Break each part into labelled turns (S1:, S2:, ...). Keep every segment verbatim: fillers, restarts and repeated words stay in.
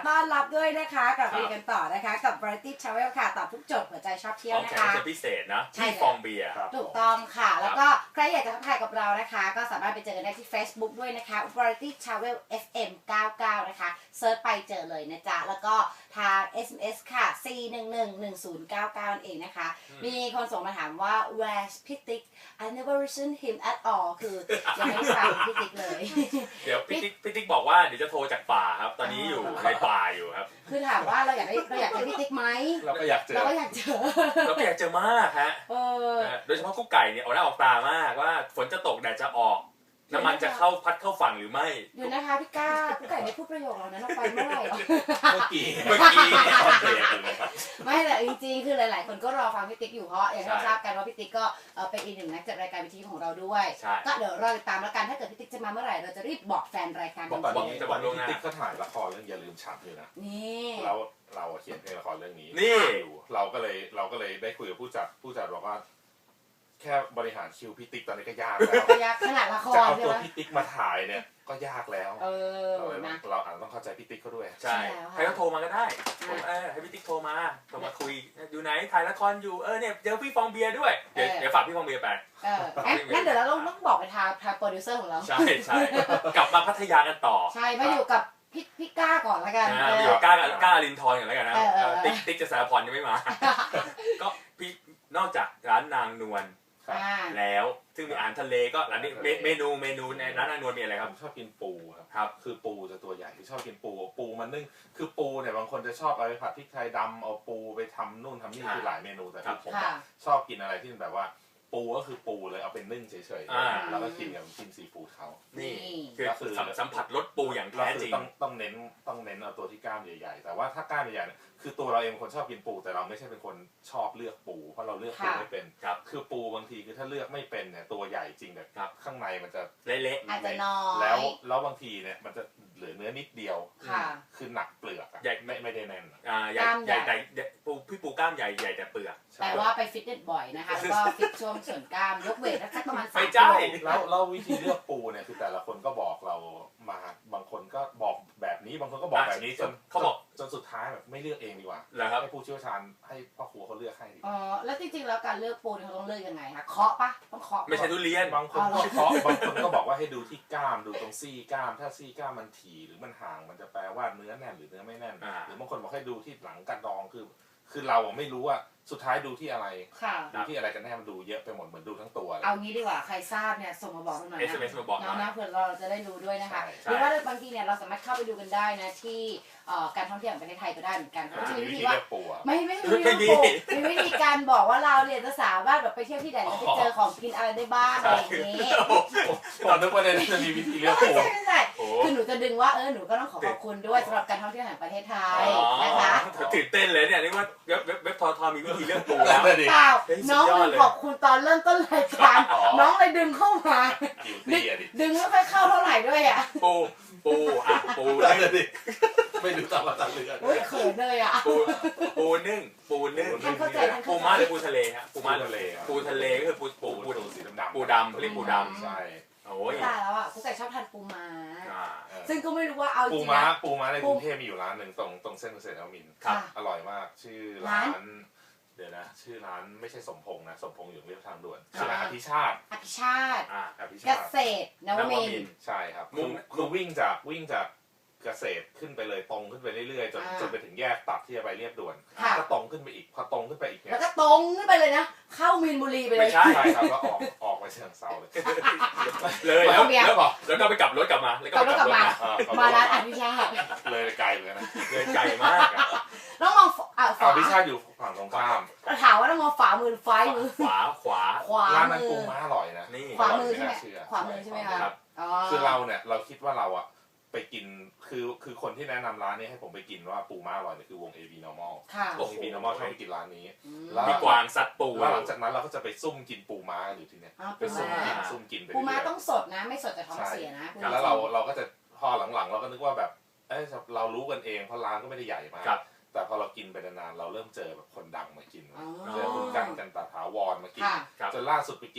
S1: ต้อนรับด้วยนะคะกลับมากันต่อนะคะกับ Variety Travel ค่ะตอบทุกโจทย์หัวใจชอบเที่ยวนะคะ
S2: ของแขกพิเศษนะที่ฟองเบียร์
S1: ถูกต้องค่ะแล้วก็ใครอยากจะทักทายกับเรานะคะก็สามารถไปเจอกันได้ที่ Facebook ด้วยนะคะ Variety Travel เอฟ เอ็ม เก้าสิบเก้านะคะเซิร์ชไปเจอเลยนะจ๊ะแล้วก็ทาง เอส เอ็ม เอส ค่ะ สี่ หนึ่ง หนึ่ง หนึ่ง ศูนย์ เก้า เก้า นั่นเองนะคะมีคนส่งมาถามว่า where's พี่ติ๊ก I never listen him at all คือยังไม่ได้ฟังพี่ติ๊กเลย
S2: เดี๋ยวพี่ติ๊กพี่ติ๊กบอกว่าเดี๋ยวจะโทรจากป่าครับตอนนี้อยู่ในป่าอยู่ครับ
S1: คือถามว่าเราอยากได้เราอยากเจอพี่ติ๊กไหม
S3: เราก็อยากเจอ
S1: เราก็อยากเจอ
S2: เราก็อยากเจอมากฮะโดยเฉพาะกุ๊กไก่เนี่ยออกหน้าออกตามากว่าฝนจะตกแดดจะออกน้ำมันจะเข้าพัดเข้าฝั่งหรือไม่
S1: เดี๋ยวนะคะพี่ก้าพี่ไก่ไม่พูดประโยคเรานั้นออกไปเมื่อไหร่
S3: เมื่อกี้
S2: เมื่อกี้
S3: ตอนเบรกเลยครับ
S1: ไม่แต่จริงๆคือหลายๆคนก็รอฟังพี่ติ๊กอยู่เพราะอย่างที่ทราบกันว่าพี่ติ๊กก็เป็นอีกหนึ่งนักจัดรายการวิทยุของเราด้วยก็เดี๋ยวรอติดตามแล้วกันถ้าเกิดพี่ติ๊กจะมาเมื่อไหร่เราจะรีบบอกแฟนรายการ
S3: บอกตอนนี้ตอนนี้พี่ติ๊กก็ถ่ายละครเรื่องอย่าลืมฉันอยู่นะ
S1: นี่
S3: เราเราเขียนเพลงละครเรื่องนี้
S2: นี่
S3: เราก็เลยเราก็เลยได้คุยกับผู้จัดผู้จัดบอกว่าแค่บริหารคิวพี่ติ๊กตอนนี้ก็ยากแล้ว
S1: ยากขนาดละคร
S3: จะเอาตัวพี่ติ๊กมาถ่ายเนี่ยก็ยากแล้ว
S1: เออ
S3: นะเราอาจต้องเข้าใจพี่ติ๊กเขาด้วย
S2: ใช่ให้เขาโทรมาก็ได้เออให้พี่ติ๊กโทรมาโทรมาคุยอยู่ไหนถ่ายละครอยู่เออเนี่ยเจอพี่ฟองเบียร์ด้วยเดี๋ยวเดี๋ยวฝากพี่ฟองเบียร์ไป
S1: เอองั้นเดี๋ยวเราต้องบอกไปทางทางโปรดิวเซอร์ของเรา
S2: ใช่ใช่กลับมาพัทยากันต่อ
S1: ใช่มาอยู่กับพี่พี่ก้าก่อนละกัน
S2: อยู่ก้าก้าลินทอนก่อนแล้วกันนะติ๊กติ๊กจะสารพรยังไม่มาก็พี่นอกจากร้านนางนวลแล้วซึ่งมีอาหารทะเลก็ร้านนี้เมนูเมนูในร้านนางนวลมีอะไรครับ
S3: ชอบกินปูครับ
S2: ครับ
S3: คือปูจะตัวใหญ่ที่ชอบกินปูปูมันนึ่งคือปูเนี่ยบางคนจะชอบเอาไปผัดพริกไทยดำเอาปูไปทำนู่นทำนี่คือหลายเมนูแต่ผมชอบกินอะไรที่แบบว่าปูก็คือปูเลยเอาเป็นนึ่งเฉยๆแล้วก็กินกับกินซีฟู้ดเขา
S2: นี่คือสัมผัสรสปูอย่างแท้จริง
S3: ต้องต้องเน้นต้องเน้นเอาตัวที่กล้ามใหญ่ๆแต่ว่าถ้ากล้ามใหญ่ๆเนี่ยคือตัวเราเองเป็นคนชอบกินปูแต่เราไม่ใช่เป็นคนชอบเลือกปูเพราะเราเลือกปูไม่เป็นคือปูบางทีคือถ้าเลือกไม่เป็นเนี่ยตัวใหญ่จริงแบบข้างในมันจะ
S2: เละ
S1: ๆอาจจะน้อย
S3: แล้วแล้วบางทีเนี่ยมันจะเหลือเนื้อนิดเดียวคือหนักเปลือกใหญ่ไม่ไม่ได้แน่น
S2: อ่าใหญ่ใหญ่แต่ปูพี่ปูกล้ามใหญ่ใหญ่แต่เปลือก
S1: แต่ว่าไปฟิตเนสบ่อยนะคะแล้วก็ฟิตช่วงส่วนกล้ามยกเวทสักประมาณสาม
S2: กิโล
S3: แล้วแล้ววิธีเลือกปูเนี่ยคือแต่ละคนก็บอกเรามาบางคนก็บอกแบบนี้บางคนก็บอกแบบนี้จน
S2: เขาบอก
S3: จนสุดท้ายแบบไม่เลือกเองดีกว่าให้ผู้เชี่ยวชาญให้พ่อครูเขาเลือกให้ดี
S1: อ๋อแล้วจริงๆแล้วการเลือกปูเขาต้องเลือกยังไงคะเคาะปะต้องเคาะ
S2: ไม่ใช่ทุเรียน
S3: บางคนก็เคาะบางคนก็บอกว่าให้ดูที่กล้ามดูตรงซี่กล้ามถ้าซี่กล้ามมันถี่หรือมันห่างมันจะแปลว่าเนื้อแน่นหรือเนื้อไม่แน่นหรือบางคนบอกให้ดูที่หลังกระดองคือคือเราไม่รู้ว่าสุดท้ายดูที่อะไรดูที่อะไรกันแน่มันดูเยอะไปหมดเหมือนดูทั้งตัว
S1: เอางี้ดีกว่าใครทราบเนี่ยส่งมาบอกหน่อยนะน้องนะเผื่อเราจะได้รู้ด้วยนะคะหรือว่าบางทีเนี่ยเราสามารถเข้าไปดูกันได้นะที่การท่องเที่ยวของประเทศไทยก็ได้เหมือนกันเขาจะมีวิธีว่าไม่ไม่ไม่มีมีวิธีการบอกว่าเราเนี่ยจะสามารถแบบไปเที่ยวที่ไหนแล้วไปเจอของกินอะไรได้บ้างอะไรอย่างนี้
S3: ตอนนึกว่าจะมีวิธีเลือกปู
S1: ไม่ใช่คือหนูจะดึงว่าเออหนูก็ต้องขอขอบคุณด้วยสำหรับการท่องเที่ยวแห่งประเทศไทยนะคะ
S2: ตื่นเต้นเลยเนี่ยนี่ว่าเว็บเว็บทอทอมีวิธีเลือกปู
S1: แล้วเปล่าน้องขอบคุณตอนเริ่มต้นรายการน้องเลยดึงเข้ามาดึงไม่ค่อยเข้าเท่าไหร่ด้วยอ่ะ
S2: ปูปูอ่ะปู
S3: ดิไม่ดูตามมาตามเรือ
S1: โอ้ยเขินเลยอ่ะ
S2: ปูปูนึ่งปูนึ่งปูม้าหรือปูทะเลฮะปูม้า
S3: ทะเล
S2: ปูทะเลก็คือปูปูปู
S3: สีดำ
S2: ปูดำเรียกปูดำ
S3: ใช่
S2: โอ้ย
S1: ตายแล้วอ่ะกูแต่ชอบทานปูม้าซึ่งก็ไม่รู้ว่าเอาจริง
S3: ปูม้าปูม้าในกรุงเทพมีอยู่ร้านหนึ่งตรงตรงเส้นเกษตรนวมินทร์อร่อยมากชื่อร้านเดี๋ยวนะชื่อร้านไม่ใช่สมพงษ์นะสมพงษ์อยู่เรียบทางด่วนชื่อร้านอภิชาติ
S1: อภิชาติเกษตรนวมินทร์
S3: ใช่ครับคือวิ่งจากวิ่งจากเกษตรขึ้นไปเลยตรงขึ้นไปเรื่อยๆจนจนไปถึงแยกตัดที่จะไปเรียบด่วนก็ตรงขึ้นไปอีกพอตรงขึ้นไปอีก
S1: แล้วก็ตรงขึ้นไปเลยนะเข้ามีนบุรีไปเลย
S2: ใช่
S3: ครับแล้วออกออกไปเชียงเซาเลย
S2: เลยแล้วแล้วแล้วก็ไปกลับรถกลับมา
S1: แล้วก็กลับมามาร้านอภิชาติ
S3: เลยไกลเลยนะ
S2: เลยไกลมาก
S1: ต้องมอง
S3: อ่าอภิชาติอยู่ฝั่งตรงข้าม
S1: ถามว่าต้องมองฝามือไฟมือ
S2: ขวาขวา
S1: ขวา
S3: ร้านนั้นปูม้าอร่อยนะ
S2: นี่
S1: ขวามือใช่ไหมขวามือใช่ไหมครับ
S3: คือเราเนี่ยเราคิดว่าเราอะไปกินคือคือคนที่แนะนำร้านนี้ให้ผมไปกินว่าปูม้าอร่อยเนี่ยคือวง เอ บี Normal วง เอ บี Normal ชอบไปกินร้านนี้
S2: แล้วมีกวางซัดปู
S3: แล้วหลังจากนั้นเราก็จะไปซุ่มกินปูม้าอยู่ที่เนี่ยไปซุ่มกินซุ่มกินไป
S1: ปูม้าต้องสดนะไม่สดจะท้องเสียนะ
S3: แล้วเราเราก็จะพอหลังๆเราก็นึกว่าแบบเอ้เรารู้กันเองเพราะร้านก็ไม่ได้ใหญ่มากแต่พอเรากินไปนานๆเราเริ่มเจอแบบคนดังมากินเจอคุณกันกันตาถาวรมากินจนล่าสุดไปกินเนี่ย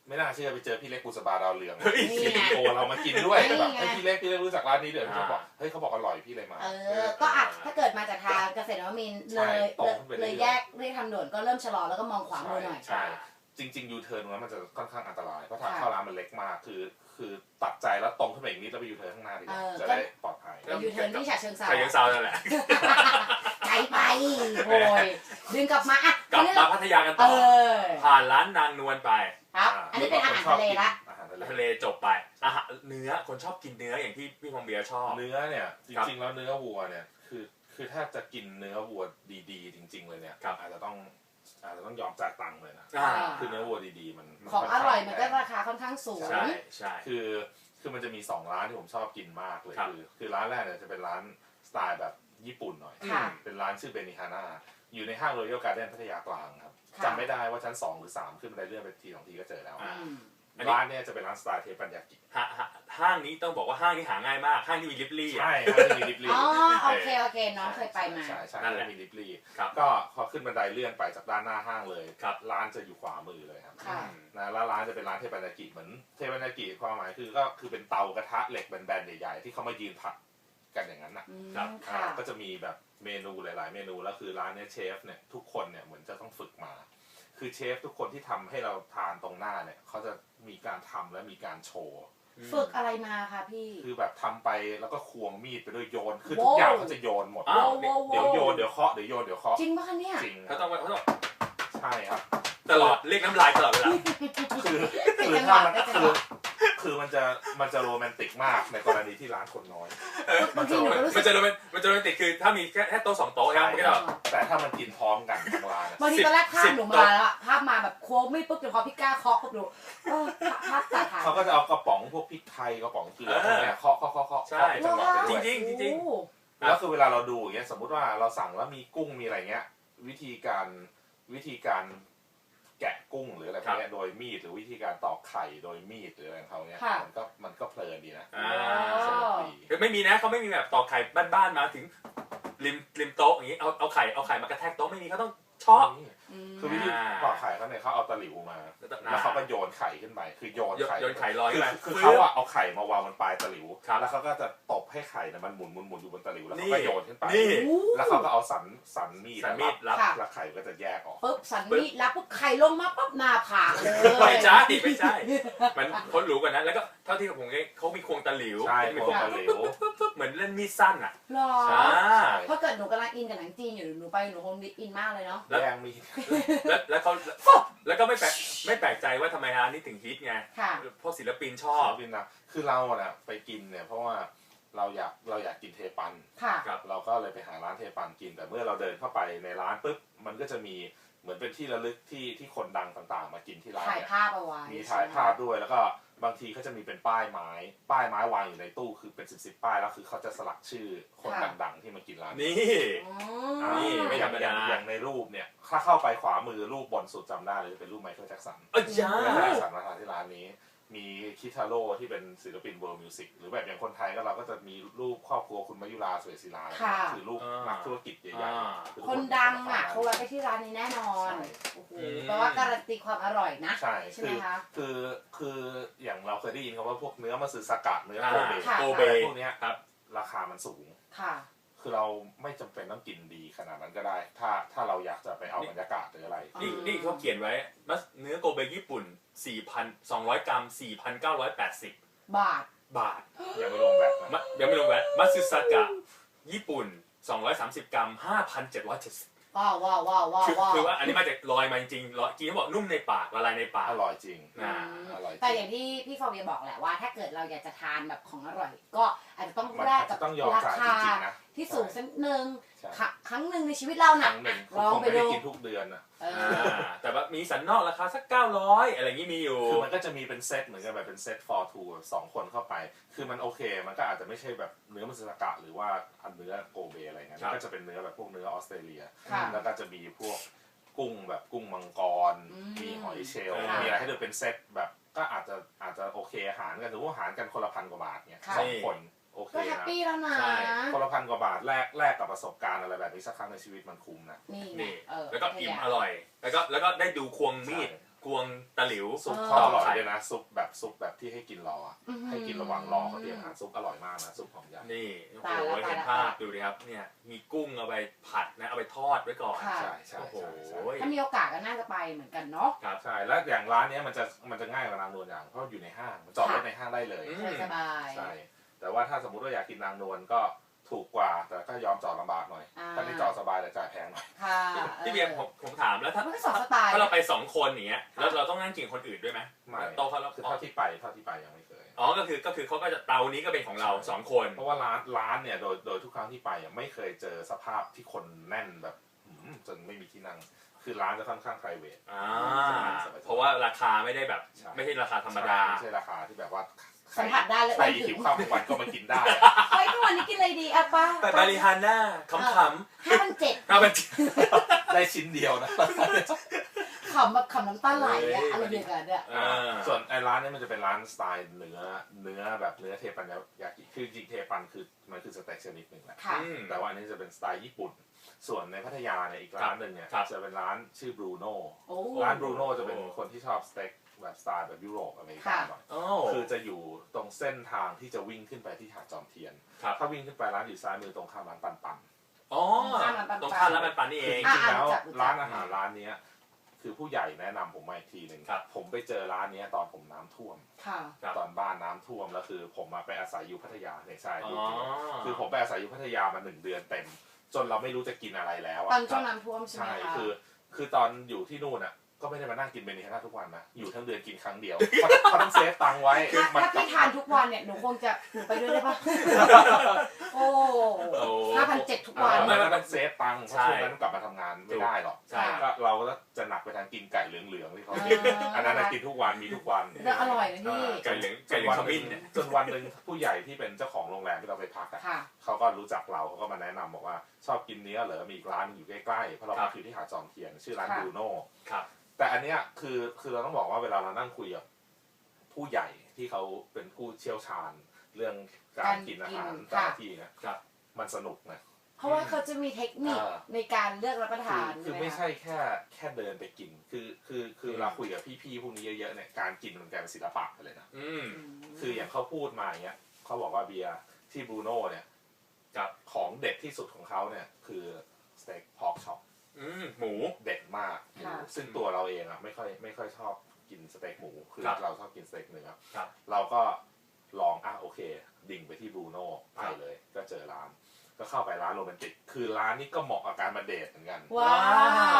S3: ไม่น่าเชื่อไปเจอพี่เล็กบุษบาดาวเรือง
S1: นี่
S3: ซี
S1: ไง
S3: อีโอเรามากินด้วย
S1: นี่
S3: แบบ
S1: ไง
S3: ให้พี่เล็กพี่เล็กรู้จักร้านนี้เดี๋ยวเขาบอกเฮ้ยเขาบอกอร่อยพี่เลยมา
S1: เออ ก็อ่ะถ้าเกิดมาจากทางเกษตรนวมินทร์เลย
S3: ตรงขึ้นไปเรื่
S1: เล
S3: อย
S1: ยแยกเรียกทางด่วนก็เริ่มชะลอแล้วก็มองขวามือหน่อย
S3: ใช่จริงๆยูเทิร์นตรงนั้นมันจะค่อนข้างอันตรายเพราะทาง
S1: ค่ะ
S3: เข้าร้านมันเล็กมากคือคือตัดใจแล้วตรงขึ้นไปอีกนิดแล้วไปยูเทิร์นข้างหน้าดีกว่า
S1: เออ
S3: จะได้ปลอดภัย
S1: ไปยูเทิร์นที่ฉะเชิงเทรา
S2: ใครยังเซานั่นแหละ
S1: ไกลไปโอ้ยดึงกลับมาอ่ะ
S2: กลับ
S1: คราวนี้
S2: มา
S1: เรา
S2: พัทยากัน
S1: เอ
S2: ต่อ
S1: อ
S2: ผ่านร้านนางนวลไป
S1: ครับ อันนี้เป็นอาหารทะเลละ
S3: อาหารทะเล
S2: ทะเลจบไปอาหารเนื้อคนชอบกินเนื้ออย่างที่พี่พงเบียร์ชอบ
S3: เนื้อเนี่ยจ
S2: ครับ
S3: ริงๆแล้วเนื้อวัวเนี่ยคือคือถ้าจะกินเนื้อวัวดีๆ จริง ๆ เลยเนี่ย
S2: ครับ
S3: อาจจะต้องอาจจะต้องยอมจ่ายตังค์เลยนะ
S2: อ่า
S3: คือเนื้อวัวดีๆมัน
S1: ของอร่อยมันก็ราคาค่อนข้างสูง
S2: ใช่ใช่
S3: คือคือมันจะมีสองร้านที่ผมชอบกินมากเลย
S2: ครับ
S3: คือคือร้านแรกเนี่ยจะเป็นร้านสไตล์แบบญี่ปุ่นหน่อย
S1: ค่ะ
S3: เป็นร้านชื่อเบนิฮาน่าอยู่ในห้างโรยัลการ์เด้นพัทยากลางครับ
S1: ค่ะ
S3: จำไม่ได้ว่าชั้นสองหรือสามขึ้นบันไดเลื่อนไปทีสองทีก็เจอแล้ว
S2: อ่า
S1: อืม
S2: อันนี้
S3: ร้านเนี่ยจะเป็นร้านสไตล์เทปันยากิ
S2: ห้าห้าห้างนี้ต้องบอกว่าห้างนี้หาง่ายมาก ห้างที่มีลิฟลี่อะ
S3: ใช่ร้านที่มีลิฟลี่
S1: อ๋อโอเคโอเคน้องเคยไปมา
S3: ใช่ใช่
S2: นั่นแหละ
S3: มีลิฟลี่
S2: ครับ
S3: ก็พอขึ้นบันไดเลื่อนไปจากด้านหน้าห้างเลย
S2: ครับ
S3: ร้านจะอยู่ขวามือเลยครับ
S1: ค่ะ
S3: นะแล้วร้านจะเป็นร้านเทปันยากิเหมือนเทปันยากิความหมายคือก็คือเป็นเตากระทะเหล็กแบนๆใหญ่ๆที่เขามายืนผัดกันอย่างนั้นน่ะ
S1: อืม
S2: ครับ
S1: ค่ะ
S3: อ่าก็จะมีแบบเมนูหลาย ๆ เมนูแล้วคือร้านเนี้ยเชฟเนี่ยทุกคนเนี่ยเหมือนจะต้องฝึกมา คือเชฟทุกคนที่ทำให้เราทานตรงหน้าเนี่ยเขาจะมีการทำและมีการโชว์
S1: ฝึกอะไรมาคะพี่
S3: คือแบบทำไปแล้วก็ควงมีดไปด้วยโยนคือ
S1: โว้
S3: ทุกอย่างเขาจะโยนหมด
S2: อ้าว
S1: โว้โว้
S3: เดี๋ยวโยนเดี๋ยวเคาะเดี๋ยวโยนเดี๋ยวเคาะ
S1: จริงป่ะคะเนี่ย
S3: จริง
S2: เขาต้องเขาต้อง
S3: ใช่ครับ
S2: ตลอดเรียกน้ำลายตลอดเวลา
S3: คือ
S1: เป็น
S3: คือ
S1: จังห
S3: ถ้าว
S1: ะ
S3: มัน
S1: เป็นจัง
S3: คื
S1: ห
S3: อ
S1: วะ
S3: คือมันจะมันจะโรแมนติกมากในกรณีที่ร้านคนน้อย
S1: บางทีหนูก็รู้สึ
S2: มัน
S1: ก
S2: จะโรแมนมันจะโรแมนติกคือถ้ามีแค่แค่โต๊ะสองโต๊ะนะมันก็จะแบบ
S3: แต่ถ้ามันกินพร้อมกันทั้งร้านอะ
S1: บางทีตอนแรกภา
S2: สิ
S1: พ
S2: บ
S1: หนู
S2: โต๊ะ
S1: มาแล้วอะภาพมาแบบโค้งไม่ปุ๊บเดี๋ยวพอพี่ก้าเคาะปุ๊บหนูเออภาพตัดหาย
S3: เขาก็จะเอากระป๋องพวกพริกไทยกระป๋องเกลือพวกเนี้ยเคาะเคาะเคาะเคาะ
S2: ใช่
S3: เคาะเป็นจังหวะไป
S2: จ
S3: ด้วย
S2: ริงๆจริง
S1: โอ้
S3: แล้วคือเวลาเราดูอย่างเงี้ยสมมุติว่าเราสั่งแล้วมีกุ้งมีอะไรเงี้ยวิธีการวิธีการแกะกุ้งหรืออะไรพวกเนี้ยโดยมีดหรือวิธีการตอกไข่โดยมีดหรืออะไรของเขาเนี้ยมันก็มันก็เพลินดีนะ
S2: อ่า
S3: สนุกดี
S2: คือไม่มีนะเขาไม่มีแบบตอกไข่บ้านๆมาถึงริมริมโต๊ะอย่างนี้เอาเอาไข่เอาไข่มากระแทกโต๊ะไม่มีเขาต้องเชาะ
S1: อืม
S3: คือวิธีตอกไข่เขาเนี่ยเขาเอาตะหลิวมาแล้วเขาก็โยนไข่ขึ้นไปคือโยน
S2: โยน
S3: ไข่
S2: โยนไข่ลอย
S3: คื
S2: ขึ้น
S3: อ
S2: มา
S3: คือเขาอะเอาไข่มาวางบนปลายตะหลิว
S2: ครับ
S3: แล้วเขาก็จะตบให้ไข่เนี่ยมันหมุนหมุนหมุนอยู่บนตะหลิวแล้ว
S2: นี่
S3: เขาก็โยนขึ้นไป
S2: นี่
S3: แล้วเขาก็เอาสันสันมีด
S2: สันมีดรับ
S1: ค่ะ
S3: แล้วไข่ก็จะแยกออก
S1: ปุ๊บสันมีดรับปุ๊บไข่ลงมาปุ๊บหน้าผากเลย
S2: ไม่ใช่ไม่ใช่ มันคนรู้กว่านั้นแล้วก็เท่าที่ผมเองเขามีควงตะหลิว
S3: ใช่
S2: มี
S3: ควงตะหลิว
S2: เหมือนเล่นมีดสั้นอ่ะ
S1: หรอ
S2: อ่า
S1: เพราะเกิดหนูกำลังอินกับหนังจีนอยู่หนูไปหนูคงอินมากเลยเนาะ
S2: แล้ว
S3: แย่งมีด
S2: แล้วแล้วเขาแล้วก็ไม่แปลกไม่แปลกใจว่าทำไมร้านนี้ถึงฮิตไง
S1: ค่ะ
S2: เพราะศิลปินชอบ
S3: บินนะคือเราอะไปกินเนี่ยเพราะว่าเราอยากเราอยากกินเทปัน
S1: ค่ะ
S2: ครับ
S3: เราก็เลยไปหาร้านเทปันกิน แต่เมื่อเราเดินเข้าไปในร้านปุ๊บมันก็จะมีเหมือนเป็นที่ระลึกที่ที่คนดังต่างๆ มากินที่ร้าน
S1: ถ่าย
S3: เนี่ย
S1: ภาพเอาไว้
S3: มีถ่ายภาพด้วยแล้วก็บางทีเขาจะมีเป็นป้ายไม้ ป้ายไม้วางอยู่ในตู้คือเป็นสิบสิบป้ายแล้วคือเขาจะสลักชื่อคนดังๆที่มากินร้าน
S2: นี่
S1: อ๋อ
S3: อ่า
S2: นี่ไม่
S3: อ
S2: ธร
S3: ย่าง
S2: รม
S3: อ
S2: ดา
S3: ย่างอย่างในรูปเนี่ยถ้าเข้าไปขวามือรูปบนสุดจำได้เลยเป็นรูปไมเคิลแจ็คสัน
S2: เอ้ยจ้า
S3: ไมเคิลแจ็คสันมาทานที่ร้านนี้ มีคิทาโร่ที่เป็นศิลปินเวิร์ลมิวสิกหรือแบบอย่างคนไทยก็เราก็จะมีรูปครอบครัวคุณมายุราสวยศิลา
S1: ค่ะ
S3: คือรูปนักธุรกิจใหญ่ๆอ
S1: คนดังอ่ะเขาแวะไปที่ร้านนี้แน่นอน
S3: ใช่
S1: โอ้โหแปลว่าการันตีความอร่อยนะ
S3: ใช่
S1: ใช่ไหม
S3: คือ
S1: คะ
S3: คือคืออย่างเราเคยได้ยินคำว่าพวกเนื้อมัตสึสกะเนื้อ
S2: อ่า
S3: โกเบ
S1: ค่ะ
S2: โกเบ
S3: พวกเนี้ย
S2: ครับ
S3: ราคามันสูง
S1: ค่ะ
S3: คือเราไม่จำเป็นต้องกินดีขนาดนั้นก็ได้ ถ้าถ้าเราอยากจะไปเอาบรรยากาศหรืออะไร
S2: นี่นี่เขาเขียนไว้มัสเนื้อโกเบญี่ปุ่น สี่พันสองร้อย กรัม สี่พันเก้าร้อยแปดสิบ
S1: บาท
S2: บาท
S3: ยังไม่รวมแบต
S2: มะ
S3: นะ
S2: ยังไม่รวมแวตมัตสึสกะญี่ปุ่น สองร้อยสามสิบ กรัม ห้าพันเจ็ดร้อยเจ็ดสิบ
S1: ว้าวว้าวว้าวว้าว
S2: คือ
S1: ว้าว
S2: คือว่าอันนี้มาจากลอยมาจริงๆลอยกินเขาบอกนุ่มในปากละลายในปาก
S3: อร่อยจริง
S2: อ่า
S3: อร่อยจ
S1: แต่
S3: ริ
S1: อย่างที่พี่ฟอร์เวียบอกแหละว่า ถ้าเกิดเราอยากจะทานแบบของอร่อย ก็อาจจะต้อง
S3: มัน
S1: แลก
S3: อาจ
S1: กั
S3: จะ
S1: บ
S3: ต้องยอม
S1: รา
S3: จ่าย
S1: คา
S3: จริงๆนะ
S1: ที่สูงสักหนึ่ง
S3: ใช่
S1: ครั้งครั้งหนึ่งในชีวิตเรา
S3: ค
S1: น่ะ
S3: รั้งหนึ่ง
S1: ลอง
S3: คง
S1: ไป
S3: ไม่ได้
S1: ดู
S3: กินทุกเดือนนะ
S1: เอ
S2: อ่
S1: อา
S2: แต่ว่ามีสันนอกราคาสักเก้าร้อยอะไรอย่างนี้มีอยู่
S3: คือมันก็จะมีเป็นเซตเหมือนกันแบบเป็นเซต for two สองคนเข้าไป คือมันโอเค มันก็อาจจะไม่ใช่แบบเนื้อมัตสึสกะหรือว่าอันเนื้อโกเบอะไรเงี้ย
S2: ครับ
S3: มันก็จะเป็นเนื้อแบบพวกเนื้อออสเตรเลีย
S1: ค่ะ
S3: แล้วก็จะมีพวกกุ้งแบบกุ้งมังกร
S1: อืม
S3: มีหอยเชลล์
S2: ค่ะ
S3: มีอะไรให้ดูเป็นเซตแบบก็อาจจะอาจจะโอเคหารกันถือว่าหารกันคนละพันกว่าบาทเนี่ย
S1: ค่ะ
S3: สองคนโอเค
S1: ก็แฮป
S3: นะ
S1: ปี้แล้วนะ
S2: ใช่
S3: คนละพันกว่าบาทแลกแลกกับประสบการณ์อะไรแบบนี้สักครั้งในชีวิตมันคุ้มนะ
S1: นี่ไง
S2: นี่
S1: เออ
S2: แล้วก็อิ่มอร่อย แล้วก็แล้วก็ได้ดูควงมีดกวงตะหลิว
S3: ซุปเขาอร่อยเลยนะซุปแบบซุปแบบที่ให้กินรออ่ะให้กินระหว่างรอเขาเตรียมอาหารซุปอร่อยมากนะซุปหอมใหญ่
S2: นี่โอ้โหเห็นภาพดูดิครับเนี่ยมีกุ้งเอาไปผัดนะเอาไปทอดไว้ก่อน
S3: ใช่ใช่
S2: โอ้โห
S3: ใช่
S1: ถ้ามีโอกาสก็น่าจะไปเหมือนกันเนาะ
S2: ครับ
S3: ใช่แล้วอย่างร้านนี้มันจะมันจะง่ายกว่านางนวลอย่างเพราะอยู่ในห้างจอดรถในห้างได้เลย
S1: สบาย
S3: ใช่แต่ว่าถ้าสมมุติว่าอยากกินนางนวลก็ถูกกว่าแต่ก็ยอมจอดลำบากหน่อยถ้าที่จอดสบายแต่จ่ายแพงหน่อย
S1: ค่ะ
S2: พี่เบียร์ผมผมถามแล้วถ้า
S1: มันก็สองสไตล์
S2: ถ้าเราไปสองคนอย่างเงี้ยแล้วเราต้องนั่งกินคนอื่นด้วยไหม
S3: ไม่
S2: โต๊ะเขาเรา
S3: คือเท่าที่ไปเท่าที่ไปยังไม่เคย
S2: อ๋อก็คือก็คือเขาก็จะเตานี้ก็เป็นของเราสองคน
S3: เพราะว่าร้านร้านเนี่ยโดยโดยทุกครั้งที่ไปอ่ะไม่เคยเจอสภาพที่คนแน่นแบบจนไม่มีที่นั่งคือร้านจะค่อนข้าง private
S2: อ่าเพราะว่าราคาไม่ได้แบบไม่ใช่ราคาธรรมดา
S3: ไม่ใช่ราคาที่แบบว่า
S1: สัมผัสได้เลย
S3: ใครหิวข้าวทุกวันก็มากินได้
S1: เฮ้ยทุกวันนี้กินอะไรดีอะป้า
S2: ไปบาริฮาน่าขำขำ
S1: ห้าพันเจ็ด
S2: ห้าพัน
S3: ได้ชิ้นเดียวนะ
S1: ขำแบบขำน้ำตาไหลอะอะไรเดียวกันเนี่ย
S3: ส่วนไอ้ร้านนี้มันจะเป็นร้านสไตล์เนื้อเนื้อแบบเนื้อเทปันยากิคือจริงเทปันคือมันคือสเต็กชนิดหนึ่งแหละ
S1: ค่ะ
S3: แต่ว่าอันนี้จะเป็นสไตล์ญี่ปุ่นส่วนในพัทยาเนี่ยอีกร้านหนึ่งเนี่ยจะเป็นร้านชื่อบรูโน่
S1: โอ้
S3: ร้านบรูโน่จะเป็นคนที่ชอบสเต็กแบบสไตล์แบบยุโรปอเมริกันหน่อย
S2: โอ้
S3: คือจะอยู่ตรงเส้นทางที่จะวิ่งขึ้นไปที่หาดจอมเทียน ถ้าวิ่งขึ้นไปร้านอยู่ซ้ายมือตรงข้ามร้านปันปัน
S2: อ๋อตรงข้ามร้านปันปันนี่เอง
S3: จริงๆแล้วร้านอาหารร้านนี้คือผู้ใหญ่แนะนำผมมาอีกทีหนึ่งผมไปเจอร้านนี้ตอนผมน้ำท่วมตอนบ้านน้ำท่วมแล้วคือผมมาไปอาศัยอยู่พัทยาในชายดูคือผมไปอาศัยอยู่พัทยามาหนึ่งเดือนเต็มจนเราไม่รู้จะกินอะไรแล้ว
S1: ตอนช่วงน้ำท่วมใช่ไหม
S3: ใช่
S1: คะ
S3: คือคือตอนอยู่ที่นู่นอ่ะก็ไม่ได้มานั่งกินเบนิฮาน่าทุกวันนะอยู่ทั้งเดือนกินครั้งเดียวเขาต้องเซฟตังค์ไว้
S1: ถ้าถ้าพี่ทานทุกวันเนี่ยหนูคงจะหนูไปด้วยได้ปะโอ้ห้าพันเจ็ดทุกวัน
S3: ไม่ไม่ต้องเซฟตังค์เพราะช่วงนั้นกลับมาทำงานไม่ได้หรอก
S2: ใช่
S3: ก็เราก็จะหนักไปทางกินไก่เหลืองๆที่เขากินอันนั้นกินทุกวันมีทุกวัน
S1: แล้วอร่อยนะพี่
S2: ไก่เหลืองไก่เหลืองขมิ้นเนี่ย
S3: จนวันหนึ่งผู้ใหญ่ที่เป็นเจ้าของโรงแรมที่เราไปพักอ่ะเขาก็รู้จักเราเขาก็มาแนะนำบอกว่าชอบกินเนื้อเหรอมีอีกร้านอยู่ใกล้ๆเพราะเราพักอยู่ที่หาดจอมเทียนชื่อร้านบรูโน่แต่อันเนี้ยคือคือเราต้องบอกว่าเวลาเรานั่งคุยกับผู้ใหญ่ที่เขาเป็นผู้เชี่ยวชาญเรื่องการกินอาหารแต่ละที่เนี่ยมันสนุกนะ
S1: เพราะว่าเขาจะมีเทคนิคในการเลือกรับประทาน
S3: คือไม่ใช่แค่แค่เดินไปกินคือคือคือเราคุยกับพี่ๆพวกนี้เยอะๆเนี่ยการกินมันกลายเป็นศิลปะไปเลยนะคืออย่างเขาพูดมาอย่างเงี้ยเขาบอกว่าเบียร์ที่บรูโน่เนี่ยกับของเด็ดที่สุดของเขาเนี่ยคือสเต็กพอกช็อป
S2: หมู
S3: เด็ดมากหมูซึ่งตัวเราเองอ่ะไม่ค่อยไม่ค่อยชอบกินสเต็กหมูคือเราชอบกินสเต็กเนื้อเราก็ลองอ่ะโอเคดิ่งไปที่บรูโน่ไปเลยก็เจอร้านก็เข้าไปร้านโรแมนติกคือร้านนี้ก็เหมาะกับการมาเดทเหมือนกัน
S1: ว้าว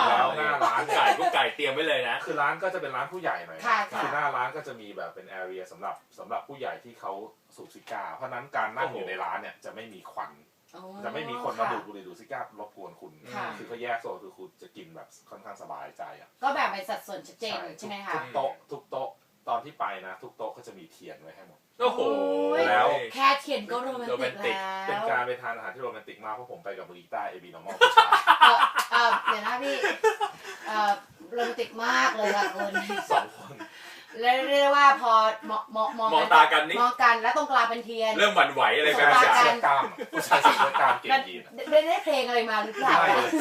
S3: แล้วหน้าร้าน
S2: ไก่กุ๊กไก่เตรียมไว้เลยนะ
S3: คือร้านก็จะเป็นร้านผู้ใหญ่หน่อยคือหน้าร้านก็จะมีแบบเป็นแอเรียสำหรับสำหรับผู้ใหญ่ที่เขาสูบซิก้าเพราะนั้นการนั่งอยู่ในร้านเนี่ยจะไม่มีควันจะไม่มีคนมาดูดบุหรี่ดูดซิก้ารบกวนคุณคือเขาแยกโซนคือคุณจะกินแบบค่อนข้างสบายใจอ่ะ
S1: ก็แบบเป็นสัดส่วนชัดเจนใช่ไหมคะ
S3: ทุกโต๊ะทุกโต๊ะตอนที่ไปนะทุกโต๊ะก็จะมีเทียนไว้ให้หมด
S2: โอ้โห
S3: แล้ว
S1: แค่เทียนก็โรแมนติกแล้ว
S3: เป็นการไปทานอาหารที่โรแมนติกมากเพราะผมไปกับมือกีตาร์เอบีนอร์มอล
S1: เออเดี๋ยวนะพี่เออโรแมนติกมากเลยค่ะคุณ
S3: สองคน
S1: เรียกว่าพอมองมองมอง
S2: ตากันนี่
S1: มองกันแล้วตรงกลางเป็นเทียน
S2: เริ่มหวั่นไหวอะไรกัน
S3: เสื้อกล้ามผู้ชายใส่เสื้อกล้ามเก่งยีน
S1: ได้ได้เพลงอะไรมาหรือเปล่า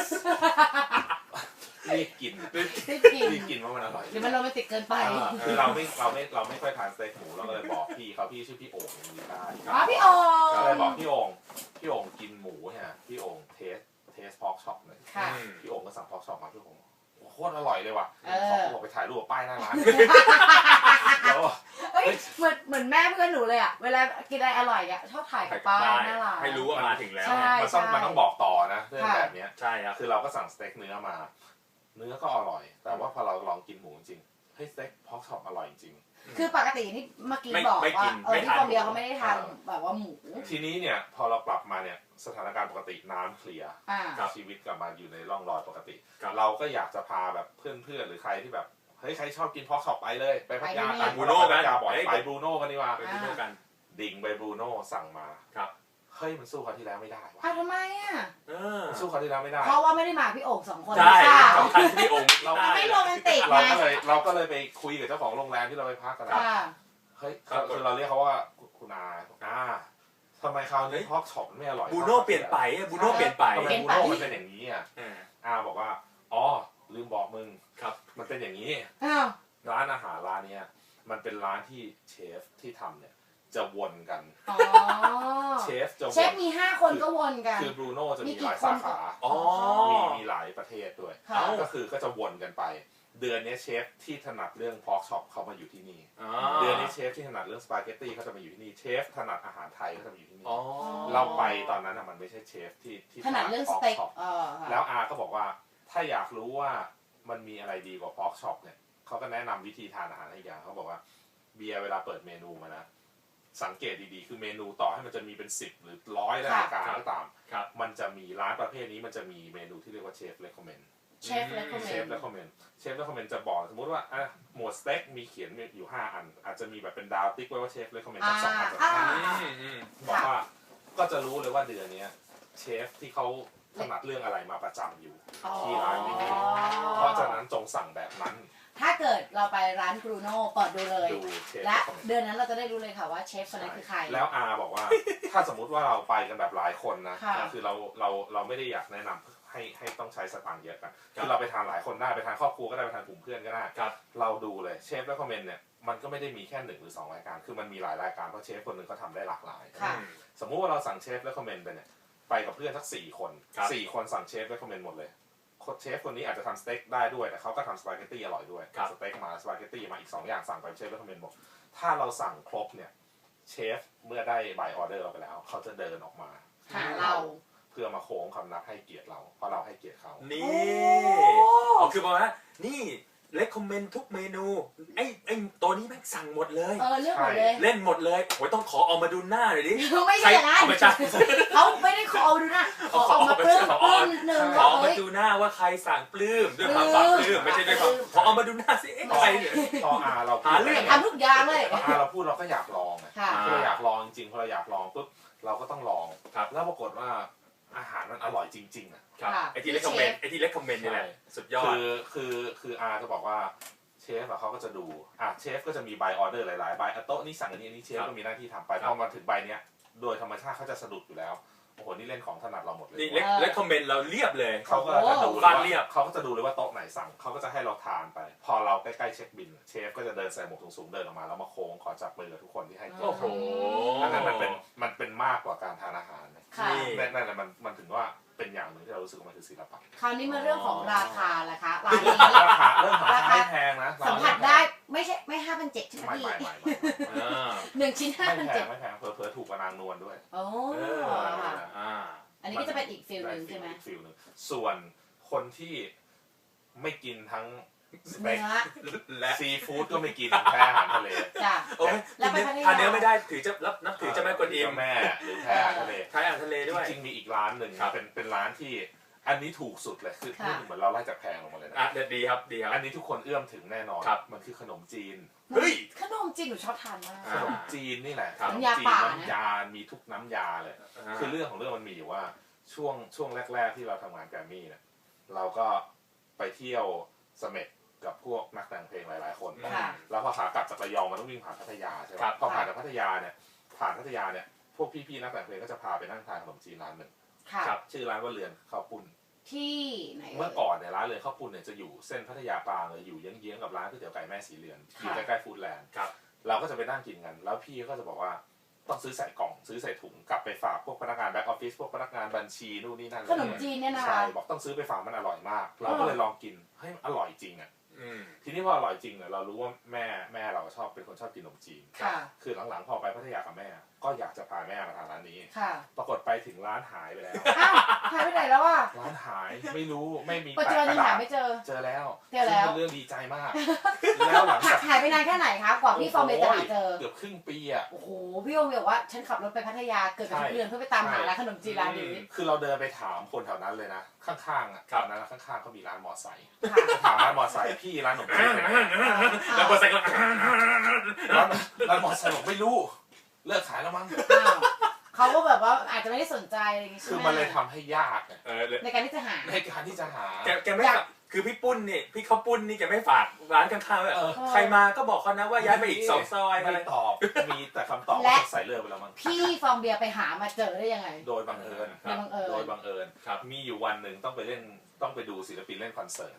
S3: รีบกิน
S1: รีบกิน
S3: รีบกินเพราะมันอร่อย
S1: หรือมันโรแมนติกเกินไป
S3: คือเราไม่เราไม่เราไม่ค่อยทานสเต็กหมูเราก็เลยบอกพี่เขาพี่ชื่อพี่โอ่งมีได้
S1: อ๋อพี่โอ่ง
S3: ก็เลยบอกพี่โอ่งพี่โอ่งกินหมูฮะพี่โอ่งเทสเทสพอกช็อปเลยพี่โอ่งก็สั่งพอกช็อปมาพี่โอ่งโคตรอร่อยเลยว่ะเขาบอกไปถ่ายรูปป้ายหน้าร้านแล้ว
S1: เฮ้ยเหมือนเหมือนแม่เพื่อนหนูเลยอ่ะเวลากินอะไรอร่อยอ่ะชอบถ่ายป้ายหน้าร้าน
S2: ให้รู้ว่ามาถึงแล้ว
S3: มันต้องมันต้องบอกต่อนะเรื่องแบบนี้
S2: ใช่ครับ
S3: คือเราก็สั่งสเต็กเนื้อมาเนื้อก็อร่อยแต่ว่าพอเราลองกินหมูจริงเฮ้ยสเต็กพอกช็อปอร่อยจริง
S1: คือปกตินี่เมื่อกี้บอกว่าเออที่คนเดียวเขาไม่ได้ทานแบบว่าหมู
S3: ทีนี้เนี่ยพอเรากลับมาเนี่ยสถานการณ์ปกติน้ำเคลียร์ชีวิตกลับมาอยู่ในร่องรอยปกติเราก็อยากจะพาแบบเพื่อนๆหรือใครที่แบบเฮ้ยใครชอบกินพอกช็อปไปเลยไปพัทยาไปบรูโน่กันไปบรูโน่กันดีกว่า
S2: ไปบรูโน่กัน
S3: ดิ่งไปบรูโน่สั่งมา
S2: ครับ
S3: เฮ้ยมันสู้คราวที่แล้วไม่ได้
S1: ว่ะทำไมอ่ะ
S3: สู้คราวที่แล้วไม่ได้
S1: เพราะว่าไม่ได้มาพี่โอ่งสองคน
S2: ใช่สำคัญพี่โอ่ง
S1: เราไม่โรแมนติก
S3: เราก็เลยเราก็เลยไปคุยกับเจ้าของโรงแรมที่เราไปพักกันนะเฮ้ยคือเราเรียกเขาว่าคุณอาอาทำไมคราวนี้พอกช็อปไม่อร่อย
S2: บูโน่เปลี่ยนไปบูโน่เปลี่ยนไป
S3: ทำไมบูโน่มันเป็นอย่างนี้อ่ะอาบอกว่าอ๋อลืมบอกมึง
S2: ครับ
S3: มันเป็นอย่างนี้ร้านอาหารร้านเนี้ยมันเป็นร้านที่เชฟที่ทำเนี่ยจะวนกัน
S1: อ๋อ
S3: เชฟจะวน
S1: เชฟมีห้าคนก็วนกัน
S3: คือบรูโน่จะมี
S1: มีกี่
S3: หลาย
S1: คน
S3: สาขา
S2: อ๋อ
S3: มีมีหลายประเทศด้วย
S1: ค่ะ
S3: ก็คือก็จะวนกันไป เดือนนี้เชฟที่ถนัดเรื่องพอกช็อปเขามาอยู่ที่นี่
S2: อ๋อ
S3: เดือนนี้เชฟที่ถนัดเรื่องสปาเกตตี้เขาจะมาอยู่ที่นี่เชฟถนัดอาหารไทยเขาจะมาอยู่ที่นี่
S2: อ๋อ
S3: เราไปตอนนั้นน่ะมันไม่ใช่เชฟที่ที่
S1: ถนัดเรื่องส
S3: พอก
S1: เต็ก
S3: ช็อป
S1: เออค่ะ
S3: แล้วอาก็บอกว่าถ้าอยากรู้ว่ามันมีอะไรดีกว่าพอกช็อปเนี่ยเขาก็แนะนำวิธีทานอาหารให้อย่างเขาบอกว่าเบียร์เวลาเปิดเมนูมานะสังเกตดีๆคือเมนูต่อให้มันจะมีเป็นสิบหรือร้อยรายการก็ตาม
S2: ครับ
S3: มันจะมีร้านประเภทนี้มันจะมีเมนูที่เรียกว่าเชฟเรคคอมเมนต์
S1: เชฟและคอมเม
S3: เชฟ
S1: นต์
S3: เรคคอมเมนต์เชฟเรคคอมเมนต์จะบอกสมมติว่าอ่ะหมวดสเต็กมีเขียนอยู่ห้าอันอาจจะมีแบบเป็นดาวติ๊กไว้ว่าเชฟเรคคอมเมนต์สักสองอัน
S1: อ่า
S2: อืมอืม
S3: บอกว่าก็จะรู้เลยว่าเดือนนี้เชฟที่เขาถนัดเรื่องอะไรมาประจำอยู่ ที่ร้านนี้ เพราะฉะนั้นจงสั่งแบบนั้น
S1: ถ้าเกิดเราไปร้านบรูโน่เปิดดูเลย
S3: ดูเชฟ
S1: และ
S3: คอมเมนต์
S1: เดือนนั้นเราจะได้รู้เลยค่ะว่าเชฟคนนั้นคือใคร
S3: แล้วอาบอกว่า ถ้าสมมุติว่าเราไปกันแบบหลายคนนะ
S1: ค่ะ
S3: คือเราเราเราไม่ได้อยากแนะนำให้ให้ต้องใช้สตางค์เยอะกันคือเราไปทานหลายคนได้ไปทานครอบครัวก็ได้ไปทานกลุ่มเพื่อนก็ได้
S2: ครับ
S3: เราดูเลยเชฟและคอมเมนต์เนี่ยมันก็ไม่ได้มีแค่หนึ่งหรือสองรายการคือมันมีหลายรายการเพราะเชฟคนหนึ่งเขาทำได้หลากหลาย
S1: ค่ะ
S3: สมมุติว่าเราสั่งเชฟและคอมเมนต์ไปเนี่ยไปกับเพื่อนสักสี่คน
S2: ครับ
S3: สี่คนสั่งเชฟและคอมเมนต์หมดเลยเชฟคนนี้อาจจะทำสเต็กได้ด้วยแต่เขาก็ทำสปาเกตตี้อร่อยด้วย
S2: ครับ
S3: สเต็กมาสปาเกตตี้มาอีกสองอย่างสั่งไปเชฟและคอมเมนต์บอกถ้าเราสั่งครบเนี่ยเชฟเมื่อได้ใบออเดอร์เราไปแล้วเขาจะเดินออกมา
S1: หาเรา
S3: เพื่อมาโค้งคำนับให้เกียรติเราเพราะเราให้เกียรติเขา
S2: นี่
S1: โอ้
S2: อ๋อคือบอกว่านี่เลคคอมเมนต์ทุกเมนูไอ้ไอ้ตัวนี้แม่งสั่งหมดเลย
S1: เออเลือกหมดเลย
S2: เล่นหมดเลยโอ้ยต้องขอเอามาดูหน้าหน่อยดิ
S1: ไม่ใช่อย่างนั้น
S2: เอาไม่ใช่
S1: เขาไม่ได้ขอเอาดูนะขอเอามาปลื้มปลื้มหนึ่ง
S2: ขอเอามาดูหน้าว่าใครสั่งปลื้มด้วยความปรับปลื้มไม่ใช่ด้วยความขอเอามาดูหน้าสิเอ๊ะใครเนี่ย
S3: พออาเรา
S2: หาเรื่อง
S1: ทำทุกอย่างเลย
S3: พออาเราพูดเราก็อยากลองไง
S1: ค่ะ
S3: คือเราอยากลองจริงๆพอเราอยากลองปุ๊บเราก็ต้องลอง
S2: ครับ
S3: แล้วปรากฏว่าอาหารมันอร่อยจริงๆอ่ะ
S2: ครับ
S1: ค่ะ
S2: ไอ้ที่เลคคอมเมนต์ไอ้ที่เลคคอมเมนต์นี่แหละสุดยอด
S3: คือคือคืออาจะบอกว่าเชฟอะเขาก็จะดูอ่ะเชฟก็จะมีใบออเดอร์หลายๆใบอ่ะโต๊ะนี้สั่งอันนี้อันนี้เชฟ
S2: ครับ
S3: ก็มีหน้าที่ทำไป
S2: ครั
S3: พ
S2: บ
S3: อมาถึงใบเนี้ยโดยธรรมชาติเขาจะสะดุดอยู่แล้วโอ้โหนี่เล่นของถนัดเราหมดเลย
S2: นี่เลคเลคคอมเมนต์เราเรียบเลย
S3: เขาก็จะดู
S2: ฟาดเรียบ
S3: เขาก็จะดูเลยว่าโต๊ะไหนสั่งเขาก็จะให้เราทานไป พอเราใกล้ๆเช็คบิลเชฟก็จะเดินใส่หมวกสูงๆเดินออกมาแล้วมาโค้งขอจับมือกับทุกคนที่ให้เกียร
S2: โอ้
S3: ติ
S2: โห
S3: อันนั้นมันเป็นมันเป็นมากกว่าการทานอาหารนะ
S1: ค่ะ
S2: นี่
S3: นั่นนั่นแหละมันมันถึงว่าเป็นอย่างหนึ่งที่เรารู้สึกว่ามันคือศิลปะ
S1: คราวนี้มาเรื่องของราคาละคะร้านนี้
S3: ราคาเรื่องของราคาไม่แพงนะ
S1: สัมผัสได้ไม่ใช่ไม่ห้าพันเจ็ดใช่ไหม
S3: ไม่
S1: พี่
S3: ไม่ไม่ไม่
S2: อ่า
S1: หนึ่งชิ้นห้า
S3: ไม่
S1: พัน
S3: แพ
S1: เจ็
S3: ง
S1: ด
S3: ไม่แพงเผลอๆถูกกว่านางนวลด้วย
S1: โอ้
S2: เออ
S1: ค่ะ
S2: อ่า
S1: อันนี้ก็จะเป็นอีกฟิลหนึ่งใช่ไหม
S3: อีกฟิลหนึ่งส่วนคนที่ไม่กินทั้งสเต็
S1: เนื้
S3: ก
S1: อ
S2: และ
S3: ซีฟู้ดก็ไม่กินแพ้อาหารทะเล
S1: จ้ะ
S2: โอ้ย
S1: แล้วไป
S2: กิน
S1: พัทยา
S2: ทานเนื้อไม่ได้ถือจะรับนับถือเจะแม่กวนอิม
S3: เจ้าแม่หรือแพ้อาหารทะเล
S2: ใช้อาหารทะเล
S3: จ
S2: ด้วย
S3: ริงๆมีอีกร้านหนึ่ง
S2: ครับ
S3: เป็นเป็นร้านที่อันนี้ถูกสุดเลยคือ
S1: ค่ะ
S3: เหมือนเราไล่จากแพงลงมาเลยนะ
S2: อ่ะเดี๋ยวดีครับดีครับ
S3: อันนี้ทุกคนเอื้อมถึงแน่นอน
S2: ครับ
S3: มันคือขนมจีน
S2: เฮ้ย
S1: ขนมจีนหนูชอบทานมาก
S3: ขนมจีนนี่แหละ
S2: ครับ
S3: ขนม
S1: น้ำยา
S3: จีน
S1: ป่านะ
S3: น้ำยา มีทุกน้ำยาเลย คือเรื่องของเรื่องมันมีอยู่ว่าช่วงช่วงแรก ๆ ที่เราทำงานแกรมมี่เนี่ยเราก็ไปเที่ยวเสม็ดกับพวกนักแต่งเพลงหลาย ๆ คน
S1: ค่ะ
S3: แล้วพอขากลับจากระยองมันต้องวิ่งผ่านพัทยาใช่ไหม
S2: ครับ
S3: พอผ่านจากพัทยาเนี่ยผ่านพัทยาเนี่ยพวกพี่ๆนักแต่งเพลงก็จะพาไปนั่งทานขนมจีนร้านหนึ่ง
S1: ค่ะ
S2: ครับ
S3: ชื่อร้านว่าเรือนข้าวปุ้น
S1: ที่ไหน
S3: เมื่อก่อนเนี่ยร้านเรือนข้าวปุ้นเนี่ยจะอยู่เส้นพัทยาปางเลยอยู่เยื้องๆกับร้านก๋วยเตี๋ยวไก่แม่สีเรือนอยู่ใกล้ๆฟู้ดแลนด์
S2: ครับ
S3: เราก็จะไปนั่งกินกัน แล้วพี่ก็จะบอกว่าต้องซื้อใส่กล่องซื้อใส่ถุงกลับไปฝากพวกพนักงานแบ็กออฟฟิศพวกพนักงานบัญชีนู่นนี่นั่น
S1: ขนมจีนเนี่ยนะคะ
S3: ใช่บอกต้องซื้อไปฝากมันอร่อยมาก เราก็เลยลองกินเฮ้ยมันอร่อยจริงอ่ะ
S2: อืม
S3: ทีนี้พออร่อยจริงเนี่ยเรารู้ว่าแม่แม่เราชอบเป็นคนชอบกินขนมจีน
S1: ค่ะ
S3: คือหลังๆพอไปพัทยากับแม่ ก็อยากจะพาแม่มาทานร้านนี้
S1: ค่ะ
S3: ปรากฏไปถึงร้านหายไปแล้ว
S1: อ้าวหายไปไหนแล้วอ่ะ
S3: ร้านหายไม่รู้ไม่มี
S1: ปัจจุ
S3: แปะ
S1: บัน
S3: ก ระดา
S1: ยังหา
S3: ษ
S1: ไม่เจอ
S3: เจอแล้ว
S1: เจอแล้ว
S3: ซึ่งเป็นเรื่องดีใจมาก แล้วหลังจาก
S1: หายไปนานแค่ไหนคะกว่าพี่ฟอร์มเบจะหาเจอ
S3: เกือบครึ่งปีอ่ะ
S1: โอ้โห พี่ฟอร์มบอกว่าฉันขับรถไปพัทยาเกิดกับทุกเดือนเพื่อไปตามหาร้านขนมจีนร้านนี้
S3: คือเราเดินไปถามคนแถวนั้นเลยนะ ข้างๆอ่ะ
S2: ครับ
S3: แถวนั้นข้างๆเขามีร้านมอไซค์
S1: ค่ะ
S3: ถามร้านมอไซค์พี่ร้านขนมจีนเป็นไง
S2: แล้วก็ใส่ก็
S3: ร้านร้านมอไซค์บอกไม่รู้ เลิกขายแล้วมั้ง
S1: อ้าวเขาก็แบบว่าอาจจะไม่ได้สนใจอะไรอย่างงี้ใช่
S3: คือ
S1: ไหม
S3: มันเลยทำให้ยากไง
S2: เออเลย
S1: ในการที่จะหา
S3: ในการที่จะหา
S2: แกแกไม่ฝากคือพี่ปุ้นนี่พี่เขาปุ้นนี่แกไม่ฝากร้านข้างๆแบบ
S3: เออ
S2: ใครมาก็บอกเขานะว่าย้ายไปอีกสองซอยอะไร
S3: ไม่ตอบ มีแต่คำตอบ
S1: และ
S3: ใส่เลือกไปแล้วมั้ง
S1: พี่ฟองเบียร์ไปหามาเจอได้ยังไง
S3: โดยบังเอิญ
S1: โดยบังเอิญ
S3: โดยบังเอิญ
S2: ครับ
S3: มีอยู่วันหนึ่งต้องไปเล่นต้องไปดูศิลปินเล่นคอนเสิร์ต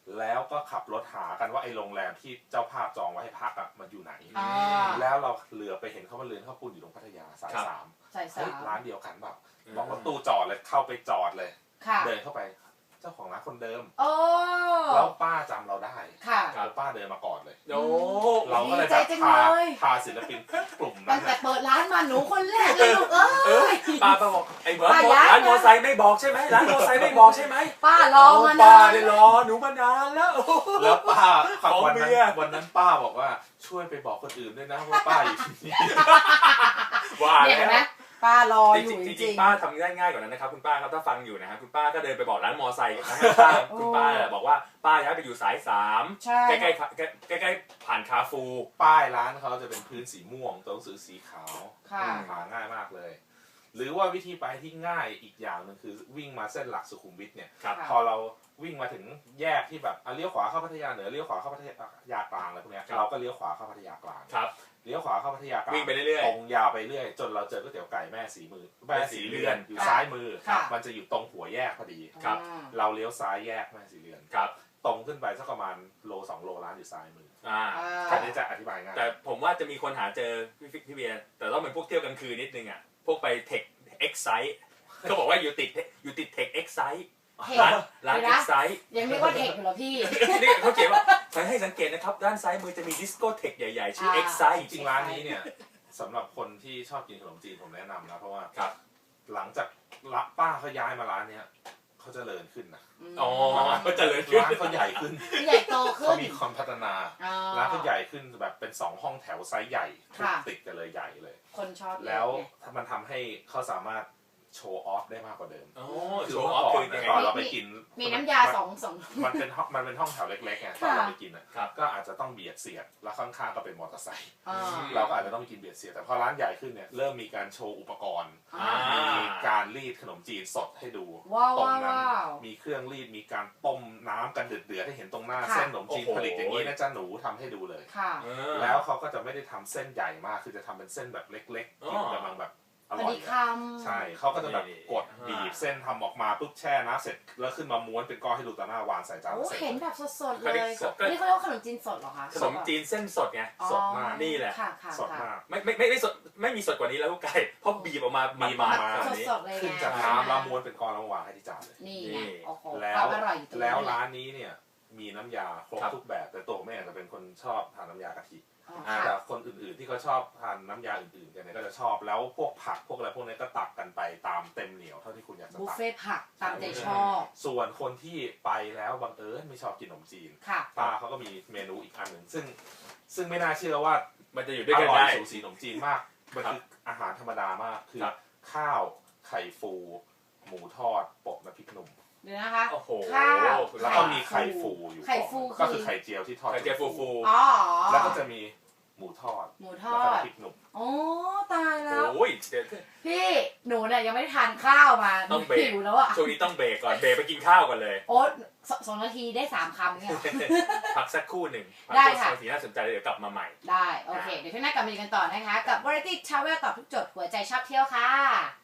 S3: แล้วก็ขับรถหากันว่าไอ้โรงแรมที่เจ้าภาพจองไว้ให้พักอ่ะมันอยู่ไหน
S1: อ่า
S3: แล้วเราเหลือไปเห็นเขาว่าเรือนข้าวปุ้นอยู่ตรงพัทยาสายสาม
S1: ใส่สา
S3: เฮ้ย
S1: ม
S3: ร้านเดียวกันแบบบอกรถตู้จอดเลยเข้าไปจอดเลย
S1: ค่ะ
S3: เดินเข้าไปเจ้าของร้านคนเดิม
S1: โอ้
S3: แล้วป้าจำเราได้
S1: ค่ะ
S3: แล้วป้าเดินมาก่อนเลย
S2: โอ้
S3: เราก็เลย
S1: ดีใจ
S3: แบบ
S1: จัง
S3: พา
S1: เลย
S3: พาศิลปินกลุ่ม
S1: ตั้
S3: นั้
S1: ง
S3: น
S1: แต่
S3: น่ะ
S1: เปิดร้านมาหนูคนแรกเลยลูกเอ้
S2: เออย ป้าป้าบอกไอ้เบิร์ด
S1: ป้าย้าย
S2: ร้านมอไซค์ไม่บอกใช่ไหมร้านมอไซค์ไม่บอกใช่ไหม
S1: ป้ารอมา
S2: ป้าน
S1: าน
S2: ได้รอหนูมานานแล้ว
S3: แล้วป้า
S2: ของ
S3: วัน
S2: เบี
S3: นั้น
S2: ยร์
S3: วันนั้นป้าบอกว่าช่วยไปบอกคนอื่นด้วยนะว่าป้าอยู่ที่นี่
S2: ว่า
S1: เนี่ยเห็นไหม
S2: แล้ว
S1: ป้ารอ
S2: จ
S1: อยู่
S2: ริง
S1: จ
S2: ๆจริ
S1: ริ
S2: ง
S1: ง
S2: ๆป้าทำง่ายๆกว่านั้นนะครับคุณป้าครับถ้าฟังอยู่นะฮะคุณป้าก็เดินไปบอกร้านมอไซค์ข้างๆคุณป้าบอกว่าป้าย้ายไปอยู่สายสาม
S1: ใช่
S2: ใกล้ๆใกล้ๆใกล้ๆผ่านคาฟู
S3: ป้ายร้านเขาจะเป็นพื้นสีม่วงตัวหนังสือสีขาว
S1: ค่ะ
S3: หาง่ายมากเลย หรือว่าวิธีไปที่ง่ายอีกอย่างหนึ่งคือวิ่งมาเส้นหลักสุขุมวิทเนี่ย
S2: ครับ
S3: พอเราวิ่งมาถึงแยกที่แบบอ่ะเลี้ยวขวาเข้าพัทยาเหนือเลี้ยวขวาเข้าพัทยากลางอะไรพวกเนี้ย
S2: ครับ
S3: เราก็เลี้ยวขวาเข้าพัทยากลาง
S2: ครับ
S3: เลี้ยวขวาเข้าพัทยากลาง
S2: วิ่งไปเรื่อย
S3: ตรงยาวไปเรื่อยจนเราเจอก๋วยเตี๋ยวไก่แม่สีมือแม่สีเรือนอยู่
S1: ค่ะ
S3: ซ้ายมือ
S1: ค่ะ
S3: มันจะอยู่ตรงหัวแยกพอดี
S2: ครับ
S1: อืม
S3: เราเลี้ยวซ้ายแยกแม่สีเรือน
S2: ๆครับ
S3: ตรงขึ้นไปสักประมาณโลสองโลร้านอยู่ซ้ายมือ
S2: อ่า
S1: อ่า
S3: อันนี้จะอธิบายง่าย
S2: แต่ผมว่าจะมีคนหาเจอพี่พี่เบียร์แต่ต้องเป็นพวกเที่ยวกลางคืนนิดนึงอ่ะพวกไปเทคเอ็กไซต์เขาบอกว่าอยู่ติดอยู่ติดเทคเอ็กไซต์
S1: เทค
S2: ร้านร้าน
S1: เดี๋ยว
S2: เอ็
S1: นะ
S2: กไซต์
S1: ยังเรียกว่าเทคอยู่เหรอพี่
S2: นี่เขาเขียนว่าให้สังเกตนะครับด้านซ้ายมือจะมีดิสโกเทคใหญ่ๆชื่อ
S1: อ่า
S2: เอ็กไซต์
S3: จริงๆร้านนี้เนี่ยสำหรับคนที่ชอบกินขนมจีนผมแนะนำนะเพราะว่า
S2: ครับ
S3: หลังจากละป้าเขาย้ายมาร้านเนี้ยเขาเจริญขึ้นนะ
S2: อ๋อก็เจริญขึ้น
S3: ร้านเขาใหญ่ขึ้น
S1: ใหญ่โตขึ้
S3: เขา
S1: น
S3: มีความพัฒนา
S1: อ๋อ
S3: ร้านเขาใหญ่ขึ้นแบบเป็นสองห้องแถวไซส์ใหญ่
S1: ค่ะ
S3: ติดกันเลยใหญ่เลย
S1: คนชอบเยอะ
S3: แล้ว
S1: ไง
S3: ถ้ามันทำให้เขาสามารถโชว์ออฟได้มากกว่าเดิม
S2: โอ้
S3: คื
S2: โช
S3: อ
S2: ว์
S3: เมื่
S2: ออ
S3: อ
S2: ฟ
S3: ก่อ
S2: คื
S3: น
S2: อยัง
S3: นะ
S2: ไง
S3: ตอนเราไปกิน
S1: มีน้ำยาสองสอง
S3: มันเป็นห้องมันเป็นห้องแถวเล็กๆไงตอน
S1: ค่ะ
S3: เราไปกินอ่ะ
S2: ครับ
S3: ก็อาจจะต้องเบียดเสียดแล้วข้างๆก็เป็นมอเตอร์ไซค์
S1: อ่า
S3: เราก็อาจจะต้องไปกินเบียดเสียดแต่พอร้านใหญ่ขึ้นเนี่ยเริ่มมีการโชว์อุปกรณ์
S1: อ่า
S2: อ่า
S3: มีการรีดขนมจีนสดให้ดู
S1: ว้าว
S3: ตรง
S1: ว้าว
S3: นั้น
S1: ว้าว
S3: มีเครื่องรีดมีการต้มน้ำกันเดือดๆให้เห็นตรงหน้า
S1: ค่ะ
S3: เส้นขนมจีน
S2: โอ้โห
S3: ผลิตอย่างนี้นะจ๊ะหนูทำให้ดูเลย
S1: ค่ะ
S2: เออ
S3: แล้วเขาก็จะไม่ได้ทำเส้นใหญ่มากคือจะทำเป็นเส้นแบบเล็กๆ
S2: อ๋อ
S3: กินกำลังแบบอ
S1: พอ
S3: ร่อย
S1: ดีค
S3: อะ
S1: ำ
S3: ใช่เขาก็จะแบบ
S2: นี่
S3: กดบีบเส้นทำออกมาปุ๊บแช่น้ำเสร็จแล้วขึ้นมาม้วนเป็นก้อนให้ดูต่อหน้าวางใส่จาน
S1: โอ้
S3: แล้วเสร็จ
S1: เห็นแบบสดๆ
S2: ก็
S1: เล
S2: ได้
S1: ย
S2: สดก็
S1: นี่เขาเรียกว่าขนมจีนสดเหรอคะ
S2: ขนมจีนเส้นสดไง
S1: อ๋อ
S3: สดมาก
S2: นี่แหละ
S1: ค่ะค่ะ
S3: สด
S1: ค่ะ
S3: มาก
S2: ไม่ไม่ไม่ไม่สดไม่มีสดกว่านี้แล้วลูกไก่เพราะบีบออกมา
S3: มี
S2: มา
S3: มา
S2: แบบนี้
S1: สดๆเลยไง
S3: ขึ้นจากน้ำแล้วม้วนเป็นก้อนแล้ววางให้ที่จานเลย
S1: นี่
S2: นี่
S1: ไงโอ้โห
S3: แล้
S1: คว วามอร่อยอยู่ตรง
S3: แล้ว
S1: นี้
S3: ร้านนี้เนี่ยมีน้ำยาครบ
S2: ครับ
S3: ทุกแบบ แต่ตัวผมเองจะเป็นคนชอบทานน้ำยากะทิ
S1: อ๋อ
S2: อ่า
S3: แต่
S1: ค่ะ
S3: คนอื่นๆที่เขาชอบทานน้ำยาอื่นๆกันเนี่ยก็จะชอบแล้วพวกผักพวกอะไรพวกนี้ก็ตักกันไปตามเต็มเหนียวเท่าที่คุณอยากจะ
S1: บุฟ
S3: ตัก
S1: เฟ่ต์ผักตามใจชอบ
S3: ส่วนคนที่ไปแล้วบังเอิญไม่ชอบกินขนมจีน
S1: ค่ะ
S3: ป้าเขาก็มีเมนูอีกอันหนึ่งซึ่งซึ่งไม่น่าเชื่อว่า
S2: มันจะอยู่
S3: อ
S2: ด้วยกัน
S3: ร่อย
S2: ได้
S3: สูสีขนมจีนมากมัน
S2: ครับ
S3: คืออาหารธรรมดามากคือ
S2: ครับ
S3: ข้าวไข่ฟู หมูทอดโปะน้ำพริกหนุ่ม
S1: เดี๋ยวนะคะ
S2: โอ้โห
S1: ข้าว
S3: แล้วก็มีไข่ฟูอยู่
S1: ไข่ฟู
S3: ก่อน
S1: คือ
S3: ก็คือไข่เจียวที่ทอด
S2: ไข่เจียวฟู
S1: อ๋อ
S3: แล้วก็จะมีหมูทอด
S1: หมูท
S3: แล้ว
S1: อ
S3: ก็
S1: ด
S3: น้ำพริกหนุ่ม
S1: โอ้ตายแล้ว
S2: โอ้ยเดี๋ยว
S1: พี่หนูเนี่ยยังไม่ได้ทานข้าวมา
S2: ต้องเบรก
S1: หิวแล้วอ่ะ
S2: ช่วงนี้ต้องเบรกก่อนเบรกไปกินข้าวก่อนเลย
S1: โอ้สสองนาทีได้สามคำเนี่ย
S2: พักสักครู่หนึ่ง
S1: ได้ค่ะ
S2: พักสักสีน่าสนใจเดี๋ยวกลับมาใหม่
S1: ได้ โอเค เดี๋ยวช่วงหน้ากลับมาดูกันต่อนะคะ กับ Variety Travel ตอบทุกโจทย์หัวใจชอบเที่ยวค่ะ